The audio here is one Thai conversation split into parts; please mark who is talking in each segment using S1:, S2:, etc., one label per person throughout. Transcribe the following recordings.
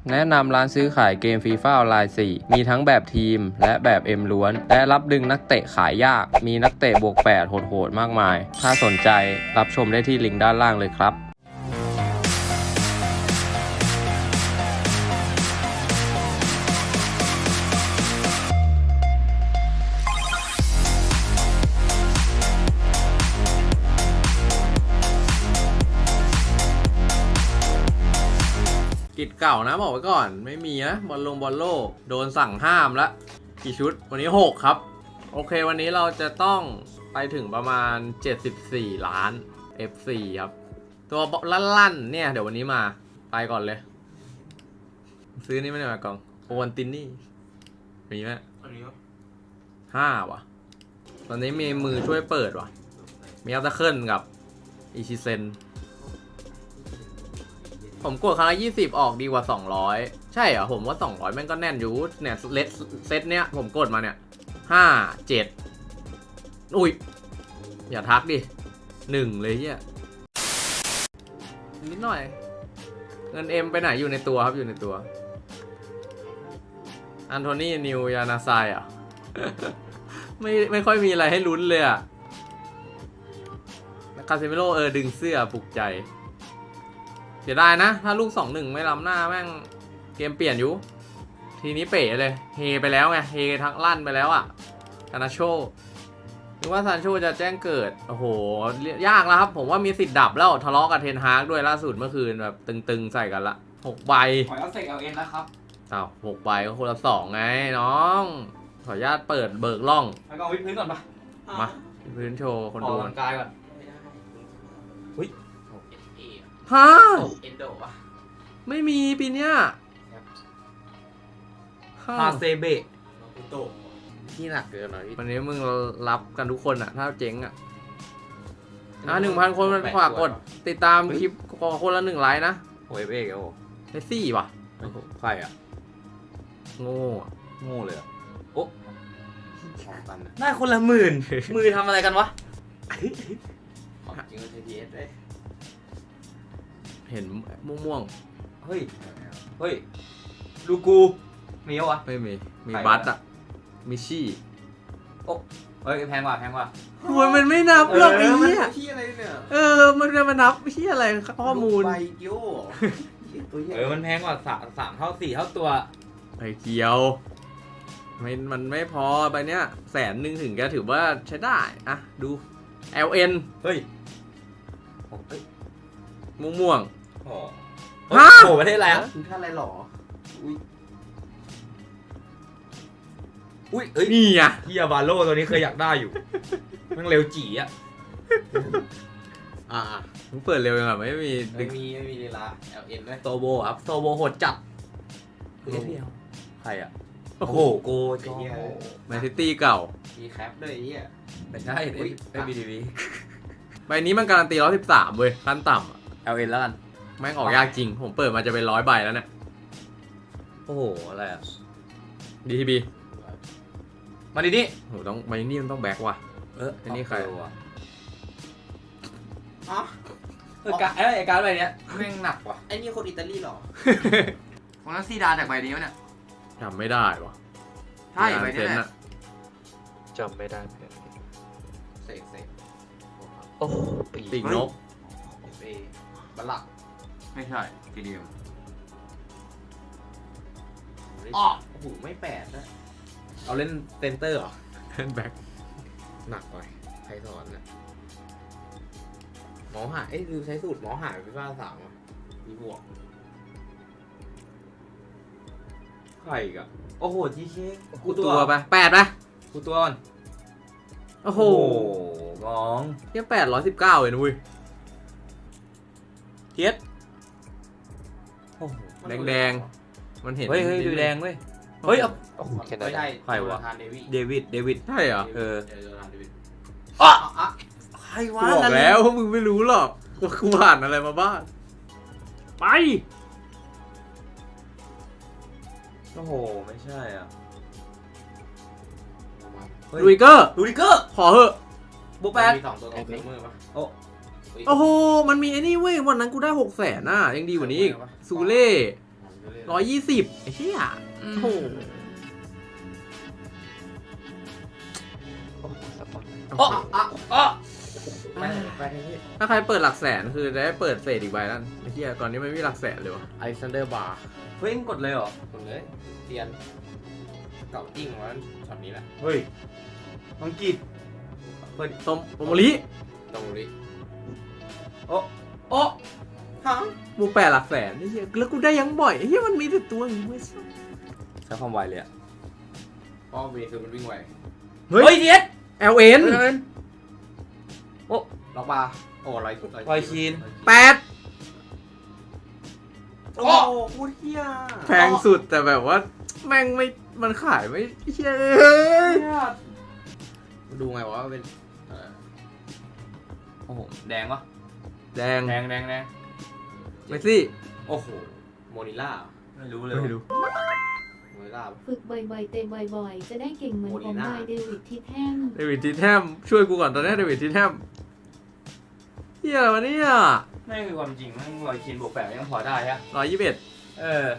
S1: แนะนำร้านซื้อขายเกมฟีฟ่าออนไลน์ 4 มีทั้งแบบทีมและแบบเอ็มล้วนและรับดึงนักเตะขายยากมีนักเตะบวก 8 โหดๆมากมาย ถ้าสนใจรับชมได้ที่ลิงก์ด้านล่างเลยครับกิจเก่านะบอกไว้ก่อนไม่มีนะบอลโลกโดนสั่งห้ามแล้วกี่ชุดวันนี้6ครับโอเควันนี้เราจะต้องไปถึงประมาณ74ล้าน F4 ครับตัวลั่นๆเนี่ยเดี๋ยววันนี้มาไปก่อนเลยซื้อนี่ไม่ได้มากล่องโอวันตินนี่มีไหมอันนี้5ว่ะตอนนี้มีมือช่วยเปิดว่ะมีอัลตาเคิลกับอิชิเซนผมกดครั้งละ20ออกดีกว่า200ใช่เหรอผมว่า200แม่งก็แน่นอยู่เนี่ยเซตเนี้ยผมกดมาเนี่ย5 7อุ้ยอย่าทักดิ1เลยเฮียนิดหน่อยเงินเอ็มไปไหนอยู่ในตัวครับอยู่ในตัวอันโทนี่นิวยานาไซอ่ะ ไม่ค่อยมีอะไรให้ลุ้นเลยอ่ะคาเซมิโร่ดึงเสื้อปลุกใจเสียดายนะถ้าลูก 2-1 ไม่ล้ำหน้าแม่งเกมเปลี่ยนอยู่ทีนี้เป๋เลยเฮไปแล้วไงเฮทั้งลั่นไปแล้วอ่ะคานาโชนึกว่าซานโชจะแจ้งเกิดโอ้โหยากแล้วครับผมว่ามีสิทธิ์ดับแล้วทะเลาะกับเทนฮากด้วยล่าสุดเมื่อคืนแบบตึงๆใส่กันละ6ใบ
S2: ขอเอาเสกเอาเอ็นแล้วครับ
S1: อ้าว6ใบก็คนละ2ไงน้องขออนุญาตเปิดเบิกล่อง
S2: แล้วก็วิดพื้นก่อนปะ
S1: มาพื้นโชว์คนดู
S2: ออกกำลังกายก่อนเฮ้ย
S1: ฮะ
S2: เอ็นโดป่ะ
S1: ไม่มีปีเนี้ย
S2: ฮาเซเบะโต
S1: ที่หนักเกินหน่อยวันนี้มึงรับกันทุกคนอ่ะถ้าเจ๊งอ่ะ1,000 คนมันฝากกดติดตามคลิปคนละ1 ไลค์นะ
S2: โอ้ยเอกโอ้
S1: เมสซี่ป่ะ
S2: ใครอ่ะ
S1: โง่
S2: เลยอ่ะโอ้ได้คนละ10,000มือทำอะไรกันวะจริงๆ TTS เลย
S1: เห็นม่วง
S2: เฮ้ยลูกูมีวะ
S1: ไม่มีบัตอ่ะมิชี่
S2: โอ้เฮ้ยแพงกว่า
S1: โอ้ยมันไม่นับหรอกไอ้เหี้ย
S2: ที่อะไรเนี่ย
S1: มันจะมานับที่อะไรข้อมูล
S2: ใบเกียวมันแพงกว่า3 เท่า 4 เท่าตัว
S1: ไอ้เกียวมันไม่พอใบเนี้ย100,000ถึงจะถือว่าใช้ได้อะดู LN
S2: เฮ้ย
S1: ม่วง
S2: โอ้โหประเทศอะไรอ่ะคือท่านอะไรหรออุ้ย
S1: นี่อ่ะ
S2: เฮียบาโลตัวนี้เคยอยากได้อยู่มันเร็วจี๋อ่ะ
S1: มึงเปิดเร็วยังไงไม่มี
S2: เวลา LN ด้วยโซโบครับโซโบโหดจัด
S1: ใครอ่ะ
S2: โอ้โหโก
S1: แมนซิตี้เก่า
S2: มีแคปด้วยไอ้เหี้ย
S1: ไม่ใช่ไม่มีดีใบนี้มันการันตี113เว้ยขั้นต่ำ
S2: LN แล้วกัน
S1: แม่งออกยากจริงผมเปิดมาจะเป็น100 ใบแล้วเนี่ย
S2: โอ้โหอะไรอ่ะ
S1: DTB
S2: มาดินี่
S1: โหต้องใบนี้มันต้องแบ็กว่ะไอ้นี่ใคร
S2: วะการใบเนี้ยแม่งหนักว่ะไอ้นี่คนอิตาลีหรอของนั้นซีดานจากใบนี้วะเนี่ย
S1: จำไม่ได้ว่ะ
S2: ใช่ใบนี้แหละ
S3: จำไม่ได้เพื่อน
S2: เสก
S3: โอ้
S1: ปีกนก
S2: บัลลักไม่ใช่ทีเดียวโอ้โหไม่8นะเอาเล่นเซนเตอร์เหรอ
S1: เล่นแบ็ค
S2: หนักหน่อยใครสอนนะหมอหายคือใช้สูตรหมอหายพี่ฟ้า3มีบวกใครอีกอะโอ้โหจีเค้ก
S1: กูตัวไป8ไป
S2: กูตัวก่อน
S1: โอ้โห
S2: กอง
S1: แค่819เองนุ้ยเทียดแดงมันเห็น
S2: เฮ้ยดูแดงเว้ยเฮ้ยไม่ใช่
S1: ใครวะ
S2: เดวิด
S1: ใช่เหรอ
S2: ใครวะ
S1: บอกแล้วมึงไม่รู้หรอกว่ากูผ่านอะไรมาบ้างไป
S2: โอ้โหไม่ใช่อ่ะ
S1: ลูดิเกอร์ขอเหอะ
S2: บุ๊กแปดมี2 ตัวกับมือปะ
S1: โอ้โหมันมีไอ้นี่เว้ยวันนั้นกูได้600,000น่ะยังดีกว่านี้อีกซูเล่ 120ไอ้เหี้ยโอ้โห
S3: โอ้สปอร์ต
S2: ไปที่
S1: ถ้าใครเปิดหลักแสนคือได้เปิดเศษอีกใบนั่นไอ้เหี้ยก่อนนี้ไม่มีหลักแสนเลยวะ
S2: อเล็กซานเดอร์บาร์
S4: เฮ้ยกดเลยเหรอ
S2: คนเลยเตียนเก่าจริงวะช็อตนี้แหละ
S4: เฮ้ยอังกฤษ
S1: ตมโมริ
S2: ตรงนี้
S4: โอ้
S2: โอ้ฮะ
S1: บูแปดหลักแสนไอ้เหี้ยแล้วกูได้ยังบ่อยไอ้เหี้ยมันมีแต่ตัวอย่างงี้ไม่ใช่
S4: ใช้ความไวเลยอ่ะ
S2: เพราะเวคือมันวิ่งไว
S4: เฮ้ยเดียด
S1: LN
S2: ล็อกบาร์โอ้ลอย
S4: ลอยคีน
S1: 8
S2: โอ้โหเฮีย
S1: แพงสุดแต่แบบว่าแม่งไม่มันขายไม่เหี้ย
S2: ดูไงวะเป็น
S4: โอ้โหแดงวะ
S1: แดง
S4: แดงแดงแดง
S1: เมสซี่
S2: โอ้โหโมนิล่า
S4: ไม่รู้เลย
S1: ไม่รู้
S2: โมนิล่า
S5: ฝึกบ่อยๆ เตะบ่อยๆ จะได้เก่งเหมือนผมนายเดวิดทิแทม
S1: เดวิดทีแทมช่วยกูก่อนตอนนี้เดวิดทีแทมเหี้ยอะไรวะเนี่ย
S4: ไม่คือความจริงมันลอยคีนบวกแปดยังพอได้ฮะ
S1: 121
S4: เออ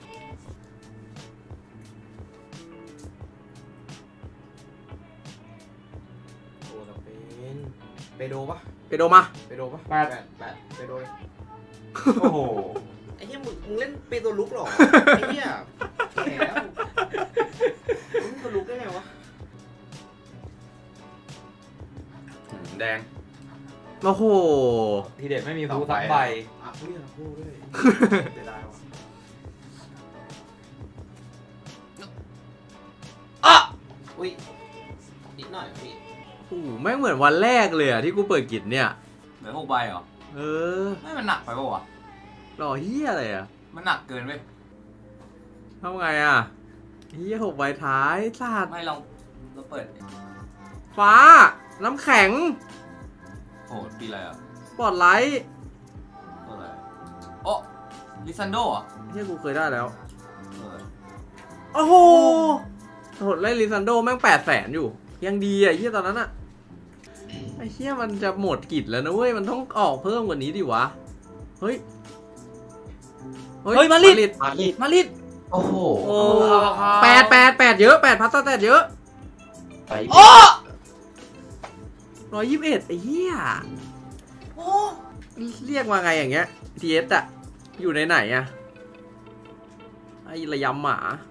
S2: โอ้แต่เป็นเปโดปะ
S1: ไปโดมา
S2: เปโดปะแปดเปโดเลย
S4: โอ้โห
S2: ไอ้เหี้ยมึงเล่นเปโดลุกหรอไอ้เหี้ยแก่แล้วมึงเปโดลุกได้ไงวะ
S4: แดง
S1: โอ้โห
S4: ทีเด็ดไม่มีฟูสักใบ
S2: อ่ะพูดอย่างพูดด้วยเสียดายวะ
S4: อ่ะ
S2: อุ้ยนิดหน่อยพี่
S1: โอ้โหแม่งเหมือนวันแรกเลยอะที่กูเปิดกิจเนี่ย
S4: เหลือ6ใบเหรอ
S1: เออ
S4: ไม่มันหนักไปปะวะ
S1: หล่อเฮียอะไรอะ
S4: มันหนักเกินเว้ย
S1: ทำไงอะเฮีย6ใบท้ายสาด
S4: ไม่เราเปิด
S1: ฟ้า น้ำแข็ง
S4: โอ้ปีอะไรอ่ะ
S1: สปอตไลท์
S4: ตัวอะไรโอ้ลิซันโดอ่ะ
S1: เฮียกูเคยได้แล้ว
S4: ตัวอะไร
S1: โอ้โหโหดไล่ลิซันโดแม่ง800,000อยู่ ยังดีอะเฮียตอนนั้นอะไอ้เฮียมันจะหมดกิจแล้วนะเว้ย มันต้องออกเพิ่มกว่านี้ดิวะ เฮ้ย
S4: มาลิด
S3: มาลิด
S1: มาลิด
S3: โอ้โห
S1: โอ้8เยอะ8พัสแตทเยอะ
S3: ไป
S4: โอ้
S1: 121ไอ้เหี้ย
S4: โอ้
S1: เรียกว่าไงอย่างเงี้ย TS อะอยู่ในไหนอะไอ้ระยำหมา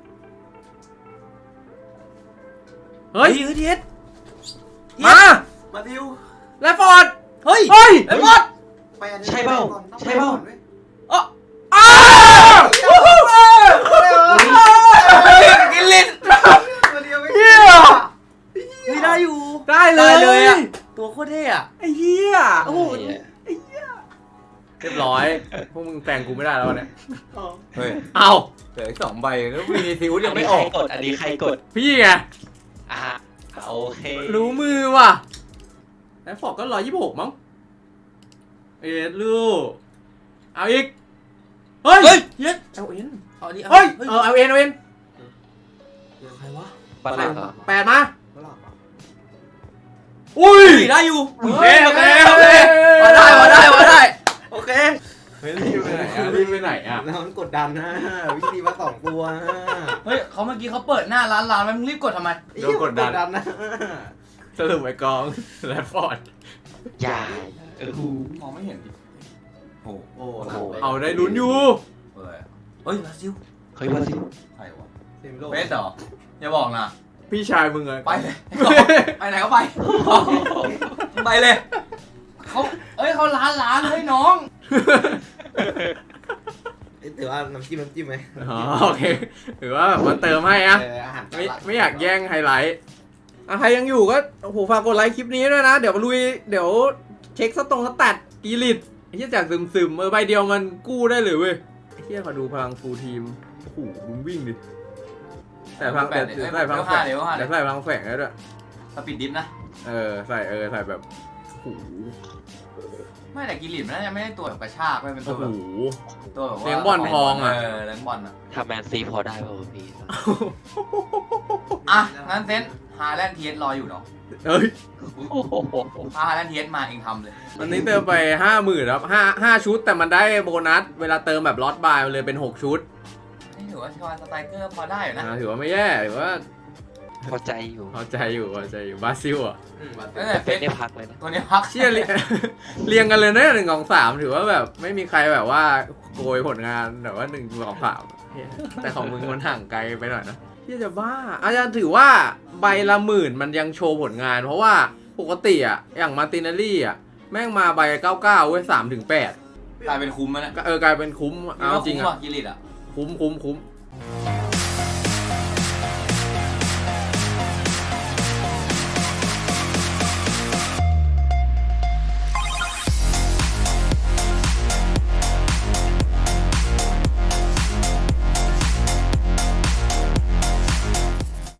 S1: เฮ้ย
S4: เทียด
S1: มา
S2: มาดิว
S1: แลฟฟอร์ด
S4: เฮ้ย
S1: เฮ้ย
S4: ไอ้บอส
S2: ไปอันนี้
S3: ใช่เปล่า
S2: ก่อนต้อง
S3: ใช่เปล่า
S2: ก่อนว้ย
S1: อ้าว
S4: กินลิ้น
S2: ตัวเดียวไม่
S1: เหี้ย
S4: นี่ได้อยู่
S1: ได้เล
S4: ได้เลย
S1: ย
S4: อ่ะ ตัวโคตรเท่อะ
S1: ไอ้เหี้ยโอ้โห
S3: ไอ้
S1: เรียบร้อย พวกมึงแซงกูไม่ได้แล้ววันเนี้ย
S4: เฮ้ย
S1: เอา
S4: เหลืออีก2 ใบแล้ววีนิซิว
S3: อั
S4: ยั
S3: น
S4: ง
S3: นี้
S4: ไม่
S3: ใค
S4: อ
S3: ร
S4: อก
S3: กด อันนี้ใครกด
S1: พี่ไง
S3: อ่ะโอเค
S1: รู้มือว่ะแลฟฟอร์ดก็126มั้งลูกเอาอีก เฮ้ย
S4: เฮ้ยเย็ด
S1: LN
S4: เอาดิ
S1: เฮ้ย LN
S4: ใครวะ
S3: บัตรหลักเหรอ
S1: 8มา
S2: ไม่หลับอ่ะ
S1: อุ้ย
S4: ได้อยู่โอเค
S1: โอ
S4: โอ
S1: เค
S4: เค
S1: โอ
S4: โอ
S1: เค
S4: เคมาได้มาได้มาได้โอเค
S1: เฮ้ยรีบไปไหนอ่ะรีบไปไหนอ่ะ
S2: แล้วมันกดดันนะวิธีมา2 ตัว
S4: เฮ้ยเขาเมื่อกี้เขาเปิดหน้าร้านไว้มึงรีบกดทำไม
S1: โดนกดดัน
S2: นะ
S1: สรุปไอ้กองแลฟฟอร์ด
S3: อย่าเออ
S4: มองไม่เห็นดิโอ้
S2: โอ้
S3: โห
S1: เอาได้ลุ้นอยู่
S4: เปิดเฮ้ยบราซิล
S3: เฮ้ยมาสิ
S4: ใครวะ
S2: เต็มโลก
S4: เบสเหรออย่าบอกนะ
S1: พี่ชายมึงอะ
S4: ไปเลยไปไหนก็ไปไปเลยเขาเอ้ยเขาร้านเฮ้ยน้อง
S2: ถือว่าน้ำจิ้มไหม
S1: อ๋อโอเคถือว่าแบบมาเติมให้อะ
S2: อาหาร
S1: ไม่อยากแย่งไฮไลท์อ่ะใครยังอยู่ก็โอ้โหฝากกดไลค์คลิปนี้ด้วยนะ เดี๋ยวมาลุยเดี๋ยวเช็คสแตทกีริตไอ้เหี้ยจากซึมใบเดียวมันกู้ได้เลยเว้ยไอ้เหี้ยขอดูพลังฟูลทีมโอ้โหมึงวิ่งดิแต่พลังแต่ใส่พลังแฝงแต่ใส่พลังแฝงได้ด้วย
S4: สปีดดิฟนะ
S1: ใส่แบบโอ้โห
S4: ไม่แต่กิลิมน่าจะไม่ได้ตัวแบบกระชากไม่เป็นตั
S1: โอ้
S4: ว
S1: โห
S4: แบบตัวแบบว่า
S1: เลี้ยงบอลทองอะ
S4: เลี้ยงบอลอะ
S3: ทำแมนซีพอได้ป่าวพี่
S4: อ่ะงั้นเซนฮาแลนด์เทียสรออยู่เนาะ
S1: เอ้ย
S3: โอ้โห
S4: ถ้าฮาแลนด์เทียสมาเองทำเลย
S1: วันนี้เติมไป50,000ครับ5ชุดแต่มันได้โบนัสเวลาเติมแบบล็อตบายมันเลยเป็น6ชุด
S4: ถือว่าชวาสไตรเกอร์พอได้อยู่นะ
S1: ถือว่าไม่แย่ถือว่า
S3: พอใจอยู่
S1: พอใจอยู่บราซิลอ่ะ
S4: ตั้งแต่เฟ
S3: เป็น
S4: ซ
S3: ได้พักเลยนะ
S4: ตัวนี้พัก
S1: เชี่ยเรียงกันเลยนะ1 2 3ถือว่าแบบไม่มีใครแบบว่าโกยผลงานแบบว่า1 2 3แต่ของมึงมันห่างไกลไปหน่อยนะที่จะบ้าอาจารย์ถือว่าใบละ10,000มันยังโชว์ผลงาน เพราะว่าปกติอ่ะอย่างมาร์ตินาลี่อ่ะแม่งมาใบ99เว้ย3 ถึง 8
S4: กลายเป็นคุ้มแล้วนะ
S1: กลายเป็นคุ้มเอาจริง
S4: คุ้ม
S1: อ่ะ
S4: กิริตอ่ะ
S1: คุ้ม